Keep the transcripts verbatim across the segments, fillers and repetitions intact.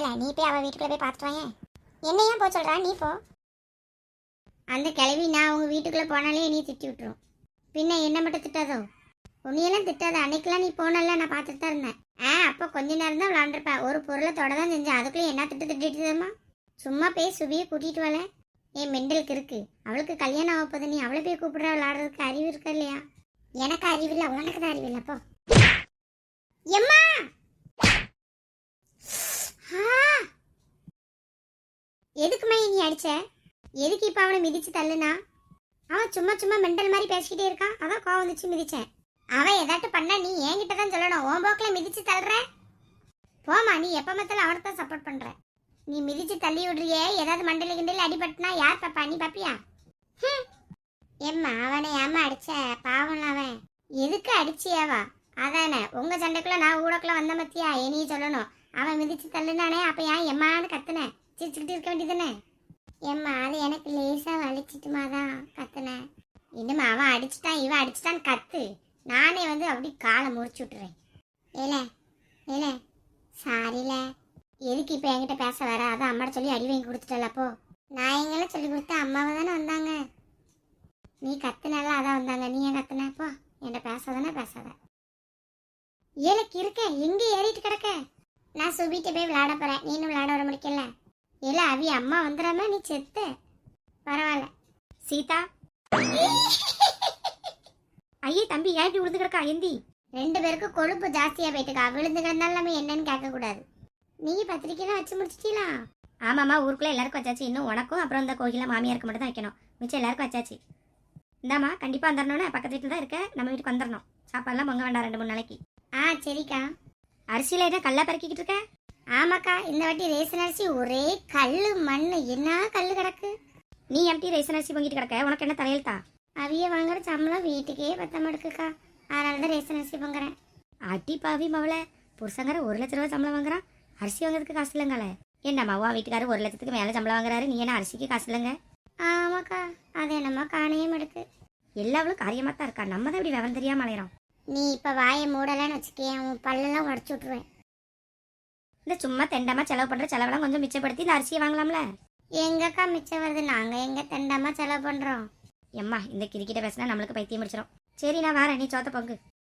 நீ போய் அவள் வீட்டுக்குள்ளே போய் பார்த்துட்டு வாங்க. என்னையா போக சொல்கிறா, நீ போ. அந்த கிளவி நான் உங்கள் வீட்டுக்குள்ளே போனாலே நீ திட்டி விட்டுரும். பின்ன என்ன மட்டும் திட்டாதோ? உன்னையெல்லாம் திட்டாத. அன்னைக்கெல்லாம் நீ போனல, நான் பார்த்துட்டு தான் இருந்தேன். ஆ அப்போ கொஞ்ச நேரம் தான் விளாண்டுருப்பேன். ஒரு பொருளை தொட தான் செஞ்சேன். அதுக்குள்ளே என்ன திட்டு திட்டுதுமா? சும்மா போய் சுபியை கூட்டிகிட்டு வரல. என் மெண்டலுக்கு இருக்கு. அவளுக்கு கல்யாணம் ஆக போகுது, நீ அவளை போய் கூப்பிடுற விளாடுறதுக்கு அறிவு இருக்கா இல்லையா? எனக்கு அறிவு இல்லை, உனக்கு தான் அறிவு இல்லை. அப்போ எம்மா எதுக்குமா நீ அடிச்ச? எதுக்கு இப்போ அவனை மிதிச்சு தள்ளுனா? அவன் சும்மா சும்மா மெண்டல் மாதிரி பேசிக்கிட்டே இருக்கான், அதான் கோவம் வந்துச்சு மிதிச்சேன். அவன் ஏதாட்டும் பண்ணா நீ என்கிட்ட தான் சொல்லணும். உன் போக்கில் மிதிச்சு தள்ளுற. போமா, நீ எப்போ மத்தாலும் அவனுக்கு தான் சப்போர்ட் பண்ற. நீ மிதிச்சு தள்ளி விடுறியே, ஏதாவது மண்டல கிண்டல அடிபட்டுனா யார் பாப்பா? நீ பாப்பியா? எம்மா அவனை ஏமா அடிச்ச? பாவம் அவன். எதுக்கு அடிச்சியாவா? அதானே உங்க சண்டைக்குள்ள நான் ஊடக்குள்ள வந்த மத்தியா என்னைய சொல்லணும். அவன் மிதிச்சு தள்ளுனானே, அப்ப ஏன் எம்மான்னு கத்துனேன்? சிரிச்சுக்கிட்டு இருக்க வேண்டியதானே? எம்மா அது எனக்கு லேசா வலிச்சிட்டுமா தான் கத்துனேன். இன்னும் அவன் அடிச்சுட்டான் இவன் அடிச்சுட்டான்னு கத்து, நானே வந்து அப்படி காலை முறிச்சு விட்டுறேன். ஏல ஏல சாரில. எதுக்கு இப்போ என்கிட்ட பேச வர? அதான் அம்மாட்ட சொல்லி அடி வாங்கி கொடுத்துட்டல. அப்போ நான் எங்கெல்லாம் சொல்லி கொடுத்தேன்? அம்மாவை தானே வந்தாங்க. நீ கத்துனால அதான் வந்தாங்க. நீ ஏன் கத்துன? அப்போ என்கிட்ட பேசாதானே பேசாத. ஏலக்கு இருக்க எங்கே ஏறிட்டு கிடக்க? நான் சுபிட்டு போய் விளையாட போறேன். நீனும் விளையாட வர முடிக்கல. இல்ல அவி அம்மா வந்துடாம நீ செத்து. பரவாயில்ல. சீதா ஐயே தம்பி ஏன் இப்படி விழுந்து கிடக்கா? எந்தி. ரெண்டு பேருக்கும் கொழுப்பு ஜாஸ்தியா போயிட்டுக்கா. விழுந்து கிடந்தாலும் நம்ம என்னன்னு கேட்க கூடாது. நீ பத்திரிக்கைலாம் வச்சு முடிச்சிட்டீங்களா? ஆமாம்மா, ஊருக்குள்ள எல்லாருக்கும் வச்சாச்சு. இன்னும் உனக்கும் அப்புறம் இந்த கோகிலா மாமியாருக்கு மட்டும் தான் வைக்கணும். மிச்சம் எல்லாருக்கும் வச்சாச்சு. இந்தாம்மா கண்டிப்பாக வந்துடணும்னு பக்கத்து வீட்டில் தான் இருக்க. நம்ம வீட்டுக்கு வந்துடணும். சாப்பாடுலாம் பொங்க வேண்டாம் ரெண்டு மூணு நாளைக்கு. ஆ சரிக்கா. அரிசியில் என்ன கல்லா பறக்கிக்கிட்டு இருக்க? ஆமாக்கா, இந்த வாட்டி ரேசன் அரிசி ஒரே கல் மண். என்ன கல் கிடக்கு? நீ எம்டி ரேசன் அரிசி பொங்கிட்டு கிடக்க. உனக்கு என்ன தலையெழுத்தா? அவிய வாங்குற சம்பளம் வீட்டுக்கே பத்தம் எடுக்குக்கா. அதனால தான் ரேசன் அரிசி பொங்குறேன். அடி பாவி மவளை, புருஷங்கிற ஒரு லட்ச ரூபா சம்பளம் வாங்குறான், அரிசி வாங்குறதுக்கு காசு இல்லைங்களே. என்னம்மா வா வீட்டுக்காரர் ஒரு லட்சத்துக்கு மேலே சம்பளம் வாங்குறாரு, நீ என்ன அரிசிக்கு காசு இல்லைங்க? ஆமாக்கா, அது என்னம்மா காணையும் எடுக்கு. எல்லாவளும் காரியமாக தான் இருக்கா. நம்ம தான் இப்படி விவரம் தெரியாமல் அலையிறோம். நீ இப்போ வாயை மூடலன்னு வச்சுக்கேன், உன் பல்லெல்லாம் உடச்சி விட்ருவேன். இந்த சும்மா தெண்டமா செலவு பண்ணுற செலவெல்லாம் கொஞ்சம் மிச்சப்படுத்தி இந்த அரிசியை வாங்கலாம்ல. எங்கக்கா மிச்சம் வருது? நாங்கள் எங்கே தெண்டமா செலவு பண்ணுறோம்? எம்மா இந்த கிரிக்கிட்ட பேசினா நம்மளுக்கு பைத்தியம் முடிச்சிடும். சரி நான் வரேன், நீ சோத்த பொங்கு.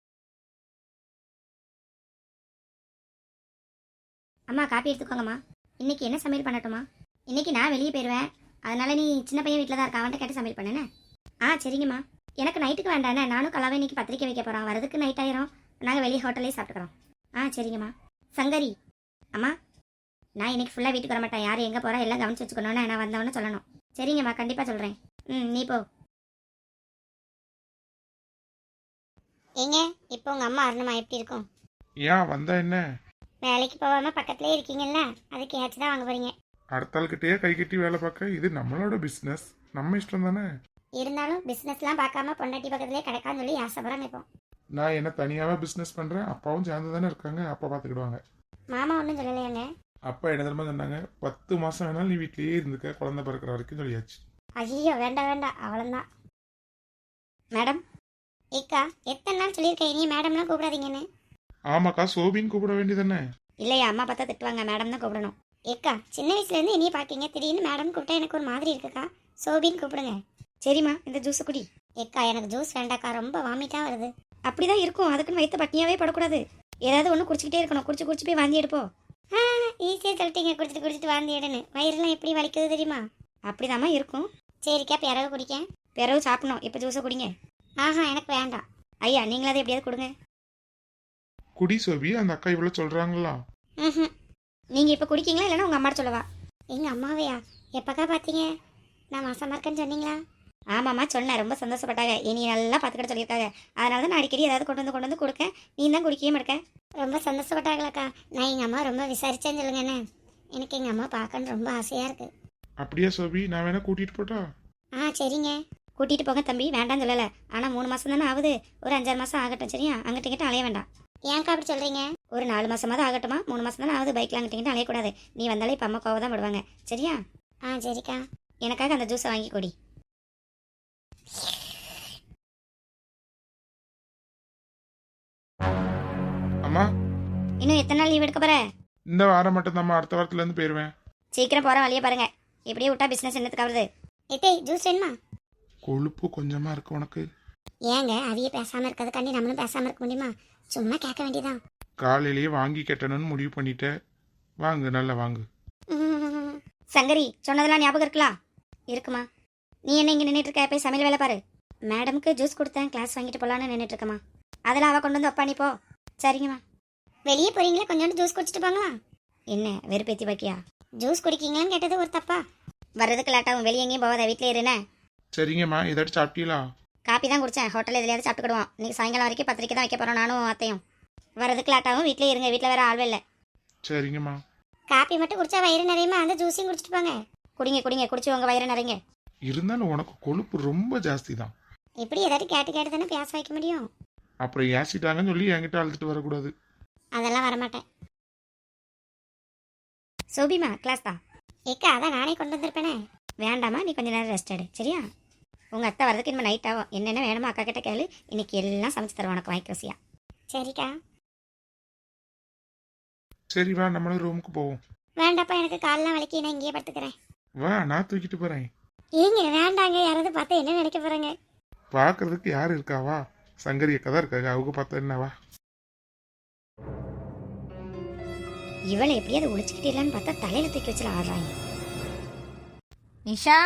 அம்மா காப்பி எடுத்துக்கோங்கம்மா. இன்னைக்கு என்ன சமையல் பண்ணட்டுமா? இன்னைக்கு நான் வெளியே போயிடுவேன், அதனால நீ சின்ன பையன் வீட்டில் தான் இருக்கா, அவன்கிட்ட கேட்டு சமையல் பண்ணேண்ணே. ஆ சரிங்கம்மா. எனக்கு நைட்டுக்கு வேண்டாண்ணே, நானும் கலாவை இன்னைக்கு பத்திரிக்கை வைக்க போகிறோம். வரதுக்கு நைட் ஆயிரும், நாங்கள் வெளியே ஹோட்டல்லே சாப்பிட்டுக்கிறோம். ஆ சரிங்கம்மா. சங்கரி அம்மா, நான் இன்னைக்கு ஃபுல்லாக வீட்டுக்கு வர மாட்டேன். யார் எங்கே போகிறா எல்லாம் கவனிச்சு வச்சுக்கணும்னு நான் வந்தவொன்னு சொல்லணும். சரிங்கம்மா கண்டிப்பாக சொல்கிறேன். ம் நீ போ. ஏங்க இப்போ உங்கள் அம்மா அருணம்மா எப்படி இருக்கும்? ஏன் வந்தா என்ன? வேலைக்கு போகாம பக்கத்துலேயே இருக்கீங்கல்ல, அதுக்கு ஏச்சு தான் வாங்க போறீங்க. அடுத்த ஆள்கிட்டயே கை கட்டி வேலை பார்க்க இது நம்மளோட பிஸ்னஸ், நம்ம இஷ்டம் தானே. இருந்தாலும் பிஸ்னஸ்லாம் பார்க்காம பொண்டாட்டி பக்கத்துலேயே கிடைக்கான்னு சொல்லி ஆசைப்படுறாங்க. இப்போ நான் என்ன தனியாவே பிஸ்னஸ் பண்றேன், அப்பாவும் சேர்ந்து தானே இருக்காங்க, அப்பா பார்த்துக்கிடுவாங்க. மாமா ஒன்றும் சொல்லலையாங்க? அப்பா என்ன தெரியுமா சொன்னாங்க, பத்து மாசம் வேணாலும் நீ வீட்லயே இருந்துக்க, குழந்தை பிறக்கிற வரைக்கும் சொல்லியாச்சு. ஐயோ வேண்டாம் வேண்டாம், அவ்வளோதான். மேடம் ஏக்கா எத்தனை நாள் சொல்லியிருக்கேன் நீ மேடம்லாம் கூப்பிடாதீங்கன்னு. ஆமாக்கா, சோபின்னு கூப்பிட வேண்டியதானே? இல்லையா, அம்மா பார்த்தா திட்டுவாங்க, மேடம் தான் கூப்பிடணும். ஏக்கா சின்ன வயசுலேருந்து இனியே பார்க்கீங்க, திடீர்னு மேடம் கூப்பிட்டா எனக்கு ஒரு மாதிரி இருக்குக்கா. சோபின்னு கூப்பிடுங்க. சரிம்மா இந்த ஜூஸை குடி. ஏக்கா எனக்கு ஜூஸ் வேண்டாக்கா, ரொம்ப வாமிட்டாக வருது. அப்படிதான் இருக்கும், அதுக்குன்னு வயிற்று பட்டினியாவே படக்கூடாது. ஏதாவது ஒன்று குடிச்சிக்கிட்டே இருக்கணும், குடிச்சு குடிச்சு போய் வாந்தி எடுப்போம். ஆ ஈஸியாக சொல்லிட்டீங்க, குடிச்சிட்டு குடிச்சிட்டு வாந்தி எடுன்னு. வயிறுலாம் எப்படி வலிக்குது தெரியுமா? அப்படிதாம்மா இருக்கும். சரிக்கா பிறகு குடிக்க. பிறகு சாப்பிடணும், இப்போ ஜூஸை குடிங்க. ஆஹா எனக்கு வேண்டாம். ஐயா நீங்களாவது எப்படியாவது கொடுங்க. குடி சோபி, அந்த அக்கா இவ்வளோ சொல்றாங்களா? ம் நீங்கள் இப்போ குடிக்கீங்களா இல்லைன்னா உங்கள் அம்மாட்ட சொல்லவா? எங்கள் அம்மாவையா? எப்போக்கா பார்த்தீங்க? நான் மாசமாக இருக்கேன்னு சொன்னீங்களா? ஆமாம்மா சொன்னேன், ரொம்ப சந்தோஷப்பட்டாங்க. இனி நல்லா பார்த்துக்கிட்ட சொல்லியிருக்காங்க. அதனால தான் நான் அடிக்கடி ஏதாவது கொண்டு வந்து கொண்டு வந்து கொடுக்க, நீ தான் குடிக்கவே மாட்டேன். ரொம்ப சந்தோஷப்பட்டாங்களாக்கா. நான் எங்கள் அம்மா ரொம்ப விசாரிச்சேன்னு சொல்லுங்க என்ன. எனக்கு எங்கள் அம்மா பார்க்கன்னு ரொம்ப ஆசையாக இருக்குது. அப்படியா சோபி, நான் வேணா கூட்டிட்டு போட்டா? ஆ சரிங்க கூட்டிகிட்டு போங்க தம்பி, வேண்டாம்னு சொல்லலை. ஆனால் மூணு மாதம் தானே ஆகுது, ஒரு அஞ்சாறு மாதம் ஆகட்டும் சரியா? அங்கிட்ட கிட்ட அலைய வேண்டாம். ஏன்க்கா அப்படி சொல்கிறீங்க? ஒரு நாலு மாதமாவது ஆகட்டுமா, மூணு மாதம் தானே ஆகுது, பைக்கில் அங்கிட்ட கிட்ட அலையக்கூடாது. நீ வந்தாலே இப்போ அம்மா கோவ தான் விடுவாங்க சரியா? ஆ சரிக்கா. எனக்காக அந்த ஜூஸை வாங்கி கொடி. அம்மா இன்னும் எத்தனை நாள் லீவ் எடுக்க போற? இந்த வாரம் மட்டும் நம்ம அடுத்த வாரத்துல இருந்து போயிருவேன். சீக்கிரம் போகிற வழியை பாருங்க. இப்படியே விட்டா பிஸ்னஸ் என்னத்துக்கு ஆகுது? எத்தே ஜூஸ் வேணுமா? கொழுப்பு கொஞ்சமா இருக்கு உனக்கு. ஏங்க அவிய பேசாம இருக்கிறதுக்காண்டி நம்மளும் பேசாம இருக்க முடியுமா? சும்மா கேட்க வேண்டியதான். காலையிலேயே வாங்கி கட்டணும்னு முடிவு பண்ணிட்டேன். வாங்கு, நல்லா வாங்கு. ம், சங்கரி சொன்னதெல்லாம் ஞாபகம் இருக்கலாம்? இருக்குமா? நீ என்ன இங்கே நின்றுட்டு இருக்க? போய் சமையல் வேலை பாரு. மேடம்க்கு ஜூஸ் கொடுத்தேன், கிளாஸ் வாங்கிட்டு போகலான்னு நின்றுட்டு இருக்கமா. அதெல்லாம் அவள் கொண்டு வந்து வைப்பா, நீ போ. சரிங்கம்மா. வெளியே போறீங்களா? கொஞ்சோண்டு ஜூஸ் குடிச்சிட்டு போங்களா? என்ன வெறுப்பேத்தி பாக்கியா? ஜூஸ் குடிக்கீங்களான்னு கேட்டது ஒரு தப்பா? வர்றதுக்கு லேட்டாகும், வெளியே எங்கேயும் போகாத, வீட்டிலே இருனே. சரிங்கம்மா, ஏதாச்சும் சாப்பிட்டீங்களா? காப்பி தான் குடித்தேன், ஹோட்டலில் எதுலையாவது சாப்பிட்டுக்கிடுவோம். இன்னைக்கு சாயங்காலம் வரைக்கும் பத்திரிக்கை தான் வைக்க போகிறோம், நானும் அத்தையும். வர்றதுக்கு லேட்டாகும், வீட்டிலே இருங்க, வீட்டில் வேற ஆள்வே இல்லை. சரிங்கம்மா. காப்பி மட்டும் குடிச்சா வயிறு நிறையுமா? அந்த ஜூஸையும் குடிச்சிட்டு போங்க. குடிங்க குடிங்க, குடிச்சு உங்கள் வயிறு நிறைங்க. இருந்தாலும் உனக்கு கொழுப்பு ரொம்ப ஜாஸ்தி தான். இப்படி ஏதாட்டு கேட்டு கேட்டு தானே பேச வைக்க முடியும். அப்புறம் ஏசிட்டாங்கன்னு சொல்லி என்கிட்ட அழுத்துட்டு வரக்கூடாது. அதெல்லாம் வரமாட்டேன். சோபிமா கிளாஸ் தான். ஏக்கா அதான் நானே கொண்டு வந்திருப்பேனே. வேண்டாமா, நீ கொஞ்ச நேரம் ரெஸ்ட் எடு, சரியா? உங்கள் அத்தை வரதுக்கு இனிமேல் நைட் ஆகும். என்னென்ன வேணுமோ அக்கா கிட்ட கேளு, இன்னைக்கு எல்லாம் சமைச்சு தருவோம் உனக்கு வாய்க்கு ருசியா. சரிக்கா. சரி வா, நம்மளும் ரூமுக்கு போவோம். வேண்டாப்பா, எனக்கு காலெல்லாம் வலிக்கு, நான் இங்கேயே படுத்துக்கிறேன். வா, நான் தூக்கிட்டு போறேன். ஏங்க வேண்டாங்க, யாராவது பார்த்தா என்ன நினைக்க போறாங்க? பாக்குறதுக்கு யாரு இருக்காவா? சங்கரி அக்கா தான் இருக்காங்க, அவங்க பார்த்தா என்னவா? இவளை எப்படியாவது ஒழிச்சுக்கிட்டே இல்லைன்னு பார்த்தா தலையில தூக்கி வச்சுல ஆடுறாங்க. நிஷா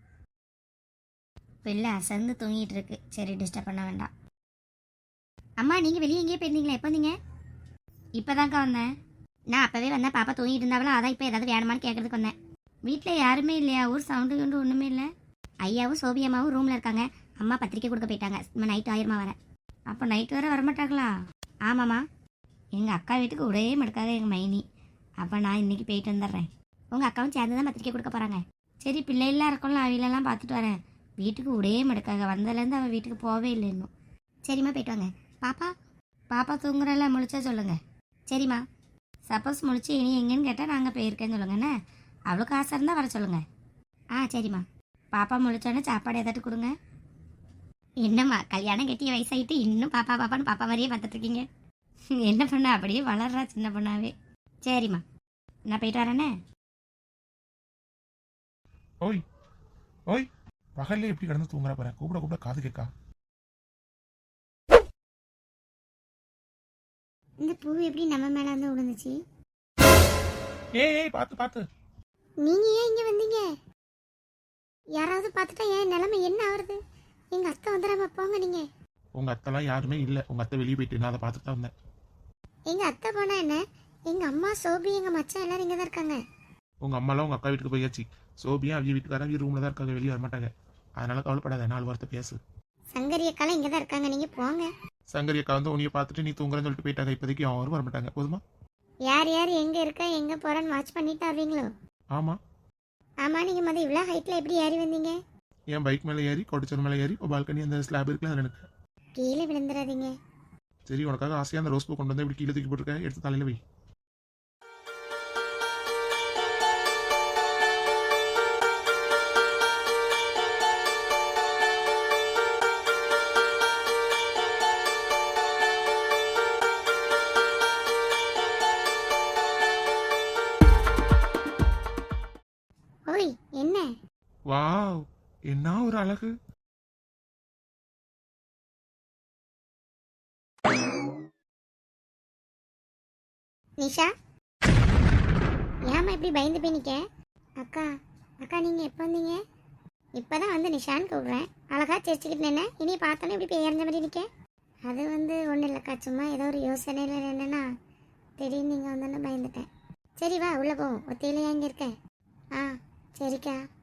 பிள்ளை அசந்து தூங்கிட்டு இருக்கு, சரி டிஸ்டர்ப் பண்ண வேண்டாம். அம்மா நீங்கள் வெளியே எங்கேயே போயிருந்தீங்களா? எப்போ வந்தீங்க? இப்போதான்க்கா வந்தேன். நான் அப்போவே வந்தேன், பாப்பா தூங்கிட்டு இருந்தாவளா, அதான் இப்போ ஏதாவது வேணுமான்னு கேட்கறதுக்கு வந்தேன். வீட்டில் யாருமே இல்லையா? ஊர் சவுண்டு கண்டு ஒன்றுமே இல்லை. ஐயாவும் சோபி அம்மாவும் ரூமில் இருக்காங்க. அம்மா பத்திரிக்கை கொடுக்க போயிட்டாங்க. நம்ம நைட்டு ஆயிரமா வரேன். அப்போ நைட்டு வர வரமாட்டாங்களா? ஆமாம்மா, எங்கள் அக்கா வீட்டுக்கு ஒரே மடுக்காக எங்கள் மைனி. அப்போ நான் இன்னைக்கு போயிட்டு வந்துடுறேன். உங்கள் அக்காவும் சேர்ந்து தான் பத்திரிக்கை கொடுக்க போகிறாங்க. சரி பிள்ளைலாம் இருக்கோம்ல, அவையிலெல்லாம் பார்த்துட்டு வரேன். வீட்டுக்கு ஒரே மடுக்காக வந்ததுலேருந்து அவள் வீட்டுக்கு போகவே இல்லை இன்னும். சரிம்மா போயிட்டு வாங்க. பாப்பா பாப்பா தூங்குறல, முழிச்சா சொல்லுங்க. சரிம்மா. சப்போஸ் முழிச்சு இனி எங்கேன்னு கேட்டால் நாங்கள் போயிருக்கேன்னு சொல்லுங்கண்ணே. அவளுக்கு ஆசை இருந்தால் வர சொல்லுங்கள். ஆ சரிம்மா. பாப்பா முழிச்சோன்னே சாப்பாடு ஏதாட்டு கொடுங்க. என்னம்மா கல்யாணம் கட்டிய வயசாகிட்டு இன்னும் பாப்பா பாப்பான்னு பாப்பா மாதிரியே பார்த்துட்ருக்கீங்க. என்ன பண்ண அப்படியே வளர்றா சின்ன பொண்ணாவே. சரிம்மா, நான் போயிட்டு வரேனே. ஓய் ஓய், பகல்ல எப்படி கிடந்து தூங்குற பாரு, கூப்பிட கூப்பிட காது கேட்கா. இந்த பூ எப்படி நம்ம மேல வந்து விழுந்துச்சு? ஏய் ஏய், பாத்து பாத்து. நீங்க ஏன் இங்க வந்தீங்க? யாராவது பார்த்துட்டா என் நிலைமை என்ன ஆகுறது? எங்க அத்தை வந்துடாம போங்க. நீங்க உங்க அத்தெல்லாம் யாருமே இல்ல, உங்க அத்தை வெளியே போயிட்டு நான் அதை பார்த்துட்டு தான் வந்தேன். எங்க அத்தை போனா என்ன? எங்க அம்மா சோபி எங்க மச்சான் எல்லாரும் இங்க தான் இருக்காங்க. உங்க அம்மாலாம் உங்க அக்கா வீட்டுக்கு போயாச்சு. சோபியா அவங்க வீட்டுக்காரங்க ரூம்ல தான் இருக்காங்க, வெளியே வர மாட்டாங்க. அதனால கவலைப்படாத, நாலு வார்த்தை பேசு. சங்கரி அக்காலாம் இங்க தான் இருக்காங்க, நீங்க போங்க. சங்கரி அக்கா வந்து உன்னைய பார்த்துட்டு நீ தூங்குறன்னு சொல்லிட்டு போயிட்டாங்க. இப்போதைக்கு அவரும் வர மாட்டாங்க, போதுமா? யார் யார் எங்க இருக்கா எங்க போறான்னு வாட்ச் பண்ணிட்டு வருவீங்களோ? ஆமா. ஆமா, நீங்க மொதல் இவ்வளோ ஹைட்ல எப்படி ஏறி வந்தீங்க? என் பைக் மேலே ஏறி கொடிச்சர் மேலே ஏறி இப்போ பால்கனி அந்த ஸ்லாப் இருக்குல்ல அதில் எனக்கு. கீழே விழுந்துடாதீங்க. சரி, உனக்காக ஆசையாக அந்த ரோஸ் பூ கொண்டு வந்து இப்படி கீழே தூக்கி போட்டுருக்க, எடுத்து தலையில வை. ஓய் என்ன? வாவ், என்ன ஒரு அழகு. நிஷா, ஏமா இப்படி பயந்து போய் நிக்க? அக்கா அக்கா நீங்க எப்போ வந்தீங்க? இப்பதான் வந்து நிஷான்னு கூப்பிடுறேன், அழகா சிரிச்சுக்கிட்டு நின்ன, இனி பார்த்தோன்னே இப்படி பெயர்ந்த மாதிரி நிக்க. அது வந்து ஒன்றும் இல்லைக்கா, சும்மா ஏதோ ஒரு யோசனையில் என்னன்னா திடீர்னு நீங்கள் வந்தோன்னு பயந்துட்டேன். சரி வா உள்ள போவோம். ஒத்தையில எங்கே இருக்க? ஆ சரிக்கா.